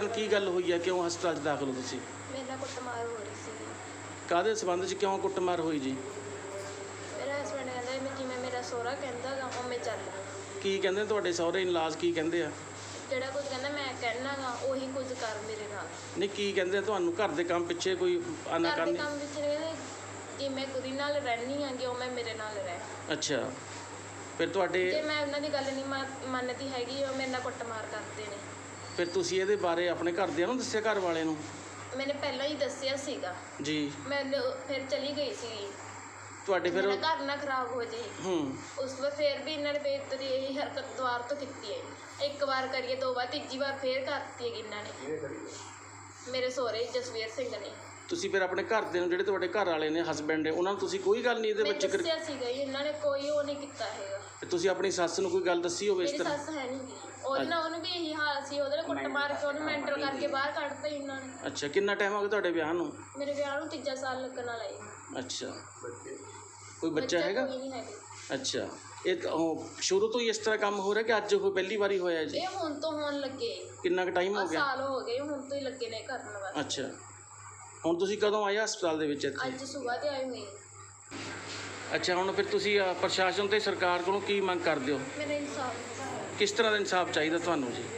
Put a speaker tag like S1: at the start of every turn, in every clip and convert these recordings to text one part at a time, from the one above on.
S1: Madam ਕੀ ਗੱਲ ਹੋਈ ਹੈ, ਕਿਉਂ ਹਸਪਤਾਲ 'ਚ ਦਾਖਲ ਹੋ ਤੁਸੀਂ?
S2: ਮੇਰੇ ਨਾਲ ਕੁੱਟਮਾਰ ਹੋ ਰਹੀ ਸੀ।
S1: ਕਾਹਦੇ ਸੰਬੰਧ 'ਚ ਕਿਉਂ ਕੁੱਟਮਾਰ ਹੋਈ ਜੀ?
S2: ਮੇਰਾ ਹਸਬੈਂਡ ਕਹਿੰਦਾ ਮੈਂ ਜਿਵੇਂ ਮੇਰਾ ਸਹੁਰਾ ਕਹਿੰਦਾ ਗਾ ਉਵੇਂ ਚੱਲ।
S1: ਕੀ ਕਹਿੰਦੇ ਤੁਹਾਡੇ ਸਹੁਰੇ ਇਨਲਾਜ ਕੀ ਕਹਿੰਦੇ ਆ?
S2: ਜਿਹੜਾ ਕੁਝ ਕਹਿੰਦਾ ਮੈਂ ਕਹਿਣਾ ਗਾ ਉਹੀ ਕੁਝ ਕਰ ਮੇਰੇ ਨਾਲ।
S1: ਨਹੀਂ ਕੀ ਕਹਿੰਦੇ ਤੁਹਾਨੂੰ? ਘਰ ਦੇ ਕੰਮ ਪਿੱਛੇ ਕੋਈ
S2: ਘਰ
S1: ਆਨਾਕਾਨੀ?
S2: ਦੇ ਕੰਮ ਵਿੱਚ ਕਹਿੰਦੇ ਜਿਵੇਂ ਕੁੜੀ ਨਾਲ ਰਹਿਣੀ ਆਂਗੀ ਉਵੇਂ ਮੇਰੇ ਨਾਲ ਰਹਿ।
S1: ਅੱਛਾ, ਫਿਰ ਤੁਹਾਡੇ
S2: ਜੇ ਮੈਂ ਉਹਨਾਂ ਦੀ ਗੱਲ ਨਹੀਂ ਮੰਨਦੀ ਹੈਗੀ ਉਹ ਮੇਰੇ ਨਾਲ ਕੁੱਟਮਾਰ ਕਰਦੇ ਨੇ।
S1: ਫਿਰ ਤੁਸੀਂ ਇਹਦੇ ਬਾਰੇ ਆਪਣੇ ਘਰਦਿਆਂ ਨੂੰ ਦੱਸਿਆ, ਘਰ ਵਾਲੇ ਨੂੰ?
S2: ਮੈंने ਪਹਿਲਾਂ ਹੀ ਦੱਸਿਆ ਸੀਗਾ
S1: ਜੀ।
S2: ਮੈਂ ਫਿਰ ਚਲੀ ਗਈ ਸੀ
S1: ਤੁਹਾਡੇ ਫਿਰ
S2: ਮੇਰਾ ਘਰ ਨਾ ਖਰਾਬ ਹੋ ਜੇ। ਉਸ ਤੋਂ ਫਿਰ ਵੀ ਇਹਨਾਂ ਨੇ ਬੇਇੱਜ਼ਤੀ ਇਹੀ ਹਰਕਤ ਦੁਬਾਰਾ ਤੋਂ ਕੀਤੀ ਹੈ। ਇੱਕ ਵਾਰ ਕਰੀਏ, ਦੋ ਵਾਰ, ਤੀਜੀ ਵਾਰ ਫੇਰ ਕਰਤੀ ਹੈ ਇਹਨਾਂ ਨੇ, ਮੇਰੇ ਸਹੁਰੇ ਜਸਵੀਰ ਸਿੰਘ ਨੇ।
S1: ਤੁਸੀਂ ਫਿਰ ਆਪਣੇ ਘਰਦਿਆਂ ਨੂੰ, ਜਿਹੜੇ ਤੁਹਾਡੇ ਘਰ ਵਾਲੇ ਨੇ, ਹਸਬੈਂਡ ਨੇ, ਉਹਨਾਂ ਨੂੰ ਤੁਸੀਂ ਕੋਈ ਗੱਲ ਨਹੀਂ ਇਹਦੇ ਵਿੱਚ
S2: ਮੈਂ ਦੱਸਿਆ ਸੀਗਾ ਜੀ, ਇਹਨਾਂ ਨੇ ਕੋਈ ਉਹ ਨਹੀਂ ਕੀਤਾ ਹੈਗਾ।
S1: ਤੇ ਤੁਸੀਂ ਆਪਣੀ ਸੱਸ ਨੂੰ ਕੋਈ ਗੱਲ ਦੱਸੀ ਹੋਵੇ ਇਸ
S2: ਮੇਰੀ
S1: ਤਰ੍ਹਾਂ?
S2: ਸੱਸ ਹੈ ਨਹੀਂ, ਉਹਨੂੰ ਵੀ ਇਹੀ ਹਾਲ ਸੀ। ਉਹਦੇ ਨਾਲ ਕੁੱਟ ਮਾਰ ਕੇ ਉਹਨੂੰ ਮੈਂਟਲ ਕਰਕੇ ਬਾਹਰ ਕੱਢਤਾ ਇਹਨਾਂ ਨੇ।
S1: ਅੱਛਾ, ਕਿੰਨਾ ਟਾਈਮ ਹੋ ਗਿਆ ਤੁਹਾਡੇ ਵਿਆਹ ਨੂੰ?
S2: ਮੇਰੇ ਵਿਆਹ ਨੂੰ 3 ਸਾਲ ਲੱਗਣ ਵਾਲਾ ਹੈ।
S1: ਅੱਛਾ, ਕੋਈ ਬੱਚਾ ਹੈਗਾ?
S2: ਕੋਈ ਨਹੀਂ ਹੈਗਾ।
S1: ਅੱਛਾ, ਇਹ ਸ਼ੁਰੂ ਤੋਂ ਹੀ ਇਸ ਤਰ੍ਹਾਂ ਕੰਮ ਹੋ ਰਿਹਾ ਕਿ ਅੱਜ ਉਹ ਪਹਿਲੀ ਵਾਰੀ ਹੋਇਆ ਜੀ?
S2: ਇਹ ਹੁਣ ਤੋਂ ਹੋਣ ਲੱਗੇ।
S1: ਕਿੰਨਾ ਕੁ ਟਾਈਮ ਹੋ ਗਿਆ?
S2: ਸਾਲ ਹੋ ਗਏ, ਹੁਣ ਤੋਂ ਹੀ ਲੱਗੇ ਨੇ ਕਰਨ ਵਾਸਤੇ।
S1: ਅੱਛਾ, ਹੁਣ ਤੁਸੀਂ ਕਦੋਂ ਆਏ ਹਸਪਤਾਲ ਦੇ ਵਿੱਚ ਇੱਥੇ?
S2: ਅੱਜ ਸਵੇਰ ਦੇ ਆਏ ਹੋਏ।
S1: ਅੱਛਾ, ਹੁਣ ਫਿਰ ਤੁਸੀਂ ਪ੍ਰਸ਼ਾਸਨ ਤੇ ਸਰਕਾਰ ਕੋਲੋਂ ਕੀ ਮੰਗ ਕਰਦੇ ਹੋ?
S2: ਮੈਨੂੰ ਇਨਸਾਫ।
S1: ਕਿਸ ਤਰ੍ਹਾਂ ਦਾ ਇਨਸਾਫ ਚਾਹੀਦਾ ਤੁਹਾਨੂੰ ਜੀ?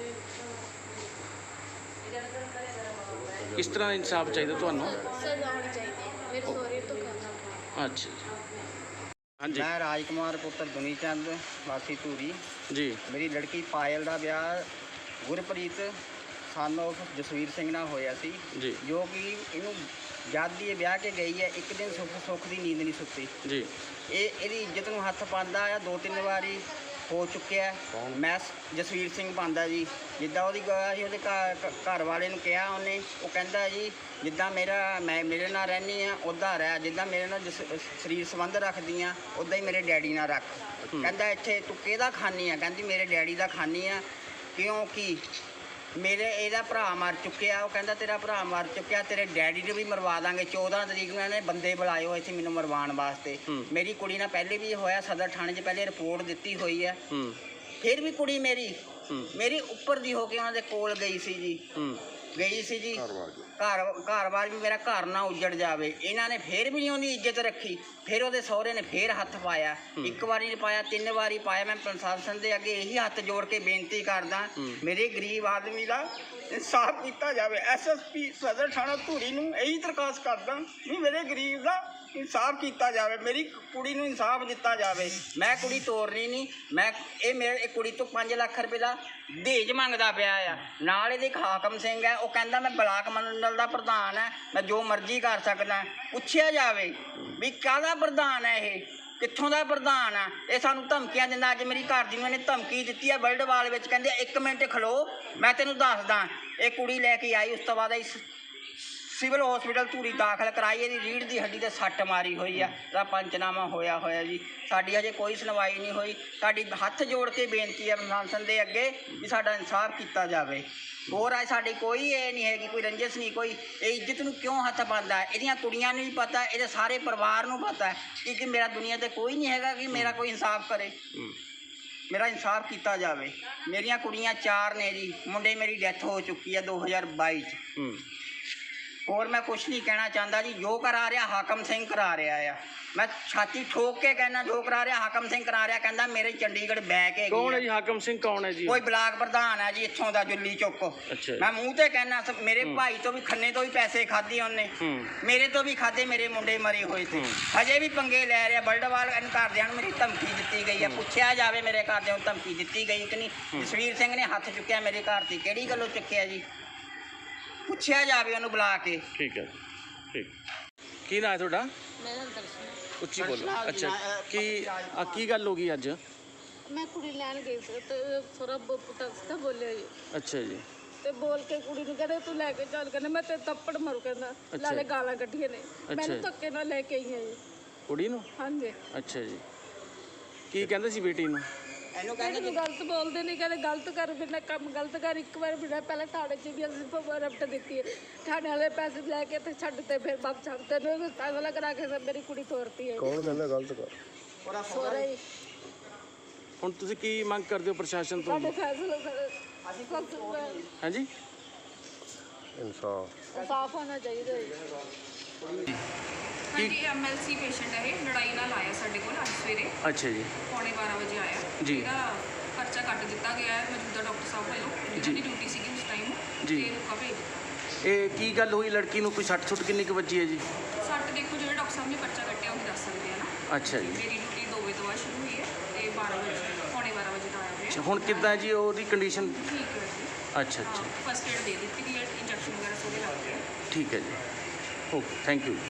S1: ਕਿਸ ਤਰ੍ਹਾਂ ਦਾ ਇਨਸਾਫ ਚਾਹੀਦਾ ਤੁਹਾਨੂੰ?
S2: ਸਜ਼ਾ ਹੋਣੀ ਚਾਹੀਦੀ ਹੈ ਮੇਰੇ ਸਹੁਰੇ ਤੋਂ ਕਰਨਾ।
S1: ਅੱਛਾ ਹਾਂਜੀ।
S3: मैं राजकुमार पुत्र दुनीचंद वासी धूरी
S1: जी।
S3: मेरी लड़की पायल का ब्याह गुरप्रीत सन ऑफ जसवीर सिंह नाल होया सी
S1: जी।
S3: जो कि इनू जद दी ब्याह के गई है, एक दिन सुख की नींद नहीं सुती
S1: जी।
S3: ਇਹਦੀ ਇੱਜ਼ਤ ਨੂੰ ਹੱਥ ਪਾਉਂਦਾ ਆ। 2-3 ਵਾਰੀ ਹੋ ਚੁੱਕਿਆ। ਮੈਂ ਜਸਵੀਰ ਸਿੰਘ ਪਾਉਂਦਾ ਜੀ, ਜਿੱਦਾਂ ਉਹਦੀ ਅਸੀਂ ਉਹਦੇ ਘਰ ਵਾਲੇ ਨੂੰ ਕਿਹਾ, ਉਹਨੇ ਉਹ ਕਹਿੰਦਾ ਜੀ ਜਿੱਦਾਂ ਮੇਰੇ ਨਾਲ ਰਹਿੰਦੀ ਆ ਉੱਦਾਂ ਰਹਿ, ਜਿੱਦਾਂ ਮੇਰੇ ਨਾਲ ਸਰੀਰ ਸੰਬੰਧ ਰੱਖਦੀ ਆ ਉੱਦਾਂ ਹੀ ਮੇਰੇ ਡੈਡੀ ਨਾਲ ਰੱਖ। ਕਹਿੰਦਾ ਇੱਥੇ ਤੂੰ ਕਿਹਦਾ ਖਾਨੀ ਆ? ਕਹਿੰਦੀ ਮੇਰੇ ਡੈਡੀ ਦਾ ਖਾਨੀ ਆ, ਕਿਉਂਕਿ ਇਹਦਾ ਭਰਾ ਮਰ ਚੁੱਕਿਆ। ਉਹ ਕਹਿੰਦਾ ਤੇਰਾ ਭਰਾ ਮਰ ਚੁੱਕਿਆ, ਤੇਰੇ ਡੈਡੀ ਨੂੰ ਵੀ ਮਰਵਾ ਦਾਂਗੇ। 14 ਤਰੀਕ ਨੂੰ ਇਹਨੇ ਬੰਦੇ ਬੁਲਾਏ ਹੋਏ ਸੀ ਮੈਨੂੰ ਮਰਵਾਉਣ ਵਾਸਤੇ। ਮੇਰੀ ਕੁੜੀ ਨਾਲ ਪਹਿਲੇ ਵੀ ਹੋਇਆ, ਸਦਰ ਥਾਣੇ 'ਚ ਪਹਿਲੇ ਰਿਪੋਰਟ ਦਿੱਤੀ ਹੋਈ ਹੈ। ਫਿਰ ਵੀ ਕੁੜੀ ਮੇਰੀ ਉੱਪਰ ਦੀ ਹੋ ਕੇ ਉਹਨਾਂ ਦੇ ਕੋਲ ਗਈ ਸੀ ਜੀ। ਘਰ-ਬਾਰ ਵੀ ਮੇਰਾ ਘਰ ਨਾ ਉੱਜੜ ਜਾਵੇ। ਇਹਨਾਂ ਨੇ ਫਿਰ ਵੀ ਨਹੀਂ ਉਹਦੀ ਇੱਜ਼ਤ ਰੱਖੀ। ਫਿਰ ਉਹਦੇ ਸਹੁਰੇ ਨੇ ਫਿਰ ਹੱਥ ਪਾਇਆ। ਇੱਕ ਵਾਰੀ ਨਹੀਂ ਪਾਇਆ, 3 ਵਾਰੀ ਪਾਇਆ। ਮੈਂ ਪ੍ਰਸ਼ਾਸਨ ਦੇ ਅੱਗੇ ਇਹੀ ਹੱਥ ਜੋੜ ਕੇ ਬੇਨਤੀ ਕਰਦਾ, ਮੇਰੇ ਗਰੀਬ ਆਦਮੀ ਦਾ ਇਨਸਾਫ ਕੀਤਾ ਜਾਵੇ। ਐਸਐਸਪੀ ਸਦਰ ਥਾਣਾ ਧੂਰੀ ਨੂੰ ਇਹੀ ਦਰਖਾਸਤ ਕਰਦਾ ਵੀ ਮੇਰੇ ਗਰੀਬ ਦਾ ਇਨਸਾਫ ਕੀਤਾ ਜਾਵੇ, ਮੇਰੀ ਕੁੜੀ ਨੂੰ ਇਨਸਾਫ ਦਿੱਤਾ ਜਾਵੇ। ਮੈਂ ਕੁੜੀ ਤੋਰਨੀ ਨਹੀਂ। ਇਹ ਕੁੜੀ ਤੋਂ 5 ਲੱਖ ਰੁਪਏ ਦਾ ਦਹੇਜ ਮੰਗਦਾ ਪਿਆ ਆ। ਨਾਲ ਇਹਦੇ ਇੱਕ ਹਾਕਮ ਸਿੰਘ ਹੈ, ਉਹ ਕਹਿੰਦਾ ਮੈਂ ਬਲਾਕ ਮੰਡਲ ਦਾ ਪ੍ਰਧਾਨ ਹੈ, ਮੈਂ ਜੋ ਮਰਜ਼ੀ ਕਰ ਸਕਦਾ। ਪੁੱਛਿਆ ਜਾਵੇ ਵੀ ਕਾਹਦਾ ਪ੍ਰਧਾਨ ਹੈ, ਇਹ ਕਿੱਥੋਂ ਦਾ ਪ੍ਰਧਾਨ ਆ? ਇਹ ਸਾਨੂੰ ਧਮਕੀਆਂ ਦਿੰਦਾ। ਅੱਜ ਮੇਰੀ ਘਰ ਦੀ ਨੂੰ ਇਹਨੇ ਧਮਕੀ ਦਿੱਤੀ ਹੈ ਵਰਲਡਵਾਲ ਵਿੱਚ। ਕਹਿੰਦੇ 1 ਮਿੰਟ ਖਲੋ, ਮੈਂ ਤੈਨੂੰ ਦੱਸਦਾ। ਇਹ ਕੁੜੀ ਲੈ ਕੇ ਆਈ, ਉਸ ਤੋਂ ਬਾਅਦ ਸਿਵਲ ਹਸਪੀਟਲ ਧੂਰੀ ਦਾਖਲ ਕਰਾਈ। ਇਹਦੀ ਰੀੜ੍ਹ ਦੀ ਹੱਡੀ ਤੇ ਸੱਟ ਮਾਰੀ ਹੋਈ ਆ। ਇਹਦਾ ਪੰਚਨਾਮਾ ਹੋਇਆ ਜੀ। ਸਾਡੀ ਹਜੇ ਕੋਈ ਸੁਣਵਾਈ ਨਹੀਂ ਹੋਈ। ਸਾਡੀ ਹੱਥ ਜੋੜ ਕੇ ਬੇਨਤੀ ਹੈ ਪ੍ਰਸ਼ਾਸਨ ਦੇ ਅੱਗੇ ਵੀ ਸਾਡਾ ਇਨਸਾਫ ਕੀਤਾ ਜਾਵੇ। ਹੋਰ ਅੱਜ ਸਾਡੀ ਕੋਈ ਇਹ ਨਹੀਂ ਹੈਗੀ, ਕੋਈ ਰੰਜਿਸ਼ ਨਹੀਂ, ਕੋਈ ਇਹ ਇੱਜ਼ਤ ਨੂੰ ਕਿਉਂ ਹੱਥ ਪਾਉਂਦਾ? ਇਹਦੀਆਂ ਕੁੜੀਆਂ ਨੂੰ ਵੀ ਪਤਾ, ਇਹਦੇ ਸਾਰੇ ਪਰਿਵਾਰ ਨੂੰ ਪਤਾ ਕਿ ਮੇਰਾ ਦੁਨੀਆ 'ਤੇ ਕੋਈ ਨਹੀਂ ਹੈਗਾ ਕਿ ਮੇਰਾ ਕੋਈ ਇਨਸਾਫ ਕਰੇ। ਮੇਰਾ ਇਨਸਾਫ ਕੀਤਾ ਜਾਵੇ। ਮੇਰੀਆਂ ਕੁੜੀਆਂ 4 ਨੇ ਜੀ, ਮੁੰਡੇ ਮੇਰੀ ਡੈਥ ਹੋ ਚੁੱਕੀ ਹੈ 2022 'ਚ। ਹੋਰ ਮੈਂ ਕੁਛ ਨਹੀਂ ਕਹਿਣਾ ਚਾਹੁੰਦਾ ਜੀ। ਜੋ ਕਰਾ ਰਿਹਾ ਹਾਕਮ ਸਿੰਘ ਕਰਾ ਰਿਹਾ ਆ। ਮੈਂ ਛਾਤੀ ਠੋਕ ਕੇ ਕਹਿਣਾ, ਜੋ ਕਰਾ ਰਿਹਾ ਹਾਕਮ ਸਿੰਘ ਕਰਾ ਰਿਹਾ। ਕਹਿੰਦਾ ਮੇਰੇ ਚੰਡੀਗੜ੍ਹ ਬੈ ਕੇ
S1: ਕੌਣ ਹੈ ਜੀ ਹਾਕਮ ਸਿੰਘ? ਕੌਣ ਹੈ ਜੀ?
S3: ਕੋਈ ਬਲਾਕ ਪ੍ਰਧਾਨ ਹੈ ਜੀ ਇੱਥੋਂ ਦਾ, ਜੁੱਲੀ ਚੁੱਕ। ਮੈਂ ਮੂੰਹ ਤੇ ਕਹਿਣਾ, ਮੇਰੇ ਭਾਈ ਤੋਂ ਵੀ, ਖੰਨੇ ਤੋਂ ਵੀ ਪੈਸੇ ਖਾਧੇ ਉਹਨੇ, ਮੇਰੇ ਤੋਂ ਵੀ ਖਾਧੇ। ਮੇਰੇ ਮੁੰਡੇ ਮਰੇ ਹੋਏ ਸੀ, ਹਜੇ ਵੀ ਪੰਗੇ ਲੈ ਰਿਹਾ ਵਰਲਡਵਾਲ। ਇਹਨੂੰ ਘਰਦਿਆਂ ਨੂੰ ਮੇਰੀ ਧਮਕੀ ਦਿੱਤੀ ਗਈ ਹੈ। ਪੁੱਛਿਆ ਜਾਵੇ ਮੇਰੇ ਘਰਦਿਆਂ ਨੂੰ ਧਮਕੀ ਦਿੱਤੀ ਗਈ ਕਿ ਨਹੀਂ? ਜਸਵੀਰ ਸਿੰਘ ਨੇ ਹੱਥ ਚੁੱਕਿਆ ਮੇਰੇ ਘਰ ਦੀ, ਕਿਹੜੀ ਗੱਲੋਂ ਚੁੱਕਿਆ ਜੀ? ਪੁੱਛਿਆ ਜਾਵੇ ਉਹਨੂੰ ਬੁਲਾ ਕੇ।
S1: ਠੀਕ ਹੈ, ਠੀਕ। ਕੀ ਨਾਂ ਹੈ ਤੁਹਾਡਾ?
S2: ਮੇਰਾ ਦਰਸ਼ਨ।
S1: ਉੱਚੀ ਬੋਲੋ। ਅੱਛਾ, ਕੀ ਗੱਲ ਹੋ ਗਈ ਅੱਜ?
S2: ਮੈਂ ਕੁੜੀ ਲੈਣ ਗਈ ਸੀ ਤੇ ਥੋੜਾ ਪੁੱਤਰ ਸੀ ਬੋਲਿਆ ਜੀ।
S1: ਅੱਛਾ ਜੀ।
S2: ਤੇ ਬੋਲ ਕੇ ਕੁੜੀ ਨੂੰ ਕਹਿੰਦੇ ਤੂੰ ਲੈ ਕੇ ਚੱਲ, ਕਹਿੰਦਾ ਮੈਂ ਤੇ ਥੱਪੜ ਮਾਰੂ, ਕਹਿੰਦਾ ਨਾਲੇ ਗਾਲਾਂ ਕੱਢੀਆਂ ਨੇ। ਮੈਨੂੰ ਧੱਕੇ ਨਾਲ ਲੈ ਕੇ ਆਈ ਹਾਂ ਜੀ
S1: ਕੁੜੀ ਨੂੰ। ਹਾਂਜੀ। ਅੱਛਾ ਜੀ, ਕੀ ਕਹਿੰਦੇ ਸੀ ਬੇਟੀ ਨੂੰ?
S3: ਇਹਨੂੰ ਕਹਿੰਦੇ
S2: ਗਲਤ ਬੋਲਦੇ ਨਹੀਂ, ਕਹਿੰਦੇ ਗਲਤ ਕਰ, ਬਿਨਾਂ ਕੰਮ ਗਲਤ ਕਰ। ਇੱਕ ਵਾਰ ਬਿਨਾਂ ਪਹਿਲਾਂ ਥਾਣੇ 'ਚ ਵੀ ਅਸੀਂ ਰਪਟ ਦਿੱਤੀ ਹੈ। ਥਾਣੇ ਵਾਲੇ ਪੈਸੇ ਲੈ ਕੇ ਤੇ ਛੱਡਤੇ, ਫਿਰ ਵਾਪਸ ਛੱਡਤੇ। ਫੈਸਲਾ ਕਰਾ ਕੇ ਮੇਰੀ ਕੁੜੀ ਤੋਰਤੀ ਹੈ।
S3: ਕੌਣ ਕਹਿੰਦਾ ਗਲਤ ਕਰ?
S2: ਸੋਹਰਾ ਹੀ।
S1: ਹੁਣ ਤੁਸੀਂ ਕੀ ਮੰਗ ਕਰਦੇ ਹੋ ਪ੍ਰਸ਼ਾਸਨ ਤੋਂ?
S2: ਸਾਡੇ ਫੈਸਲਾ
S1: ਹਾਂਜੀ,
S4: ਇਨਸਾਫ
S5: ਸਾਫ਼ ਹੋਣਾ ਚਾਹੀਦਾ ਹੈ।
S6: ਹਾਂਜੀ ਐਮਐਲਸੀ ਪੇਸ਼ੈਂਟ ਹੈ ਇਹ, ਲੜਾਈ ਨਾਲ ਆਇਆ ਸਾਡੇ ਕੋਲ ਅੱਜ ਸਵੇਰੇ
S1: ਅੱਛਾ ਜੀ।
S6: ਪੌਣੇ 12 ਵਜੇ ਆਇਆ।
S1: ਜੀ।
S6: ਇਹਦਾ ਪਰਚਾ ਕੱਟ ਦਿੱਤਾ ਗਿਆ ਹੈ ਮੌਜੂਦਾ ਡਾਕਟਰ ਸਾਹਿਬ ਵੱਲੋਂ,
S1: ਜੀ।
S6: ਜਿਹਦੀ ਡਿਊਟੀ ਸੀਗੀ ਉਸ ਟਾਈਮ
S1: ਜੀ।
S6: ਤੇ ਰੁਕਾ ਭੇਜ ਦਿੱਤਾ।
S1: ਇਹ ਕੀ ਗੱਲ ਹੋਈ, ਲੜਕੀ ਨੂੰ ਕੋਈ ਸੱਟ ਸੁੱਟ ਕਿੰਨੀ ਕੁ ਵੱਜੀ ਹੈ ਜੀ?
S6: ਸੱਟ ਦੇਖੋ ਜਿਹੜੇ ਡਾਕਟਰ ਸਾਹਿਬ ਨੇ ਪਰਚਾ ਕੱਟਿਆ ਉਹ ਦੱਸ ਸਕਦੇ ਆ ਨਾ।
S1: ਅੱਛਾ ਜੀ।
S6: ਮੇਰੀ ਡਿਊਟੀ 2 ਵਜੇ ਤੋਂ ਬਾਅਦ ਸ਼ੁਰੂ ਹੋਈ ਹੈ ਤੇ 12 ਵਜੇ ਪੌਣੇ 12 ਵਜੇ ਦਾ ਆਇਆ
S1: ਅੱਛਾ,
S6: ਹੋਇਆ।
S1: ਹੁਣ ਕਿੱਦਾਂ ਜੀ ਉਹਦੀ ਕੰਡੀਸ਼ਨ?
S6: ਠੀਕ ਹੈ ਜੀ।
S1: ਅੱਛਾ ਅੱਛਾ,
S6: ਫਸਟ ਏਡ ਦੇ ਦਿੱਤੀ ਗਈ ਹੈ, ਇੰਜੈਕਸ਼ਨ ਵਗੈਰਾ ਸੋਦੇ ਲੱਗ ਗਏ।
S1: ਠੀਕ ਹੈ ਜੀ। Okay, thank you.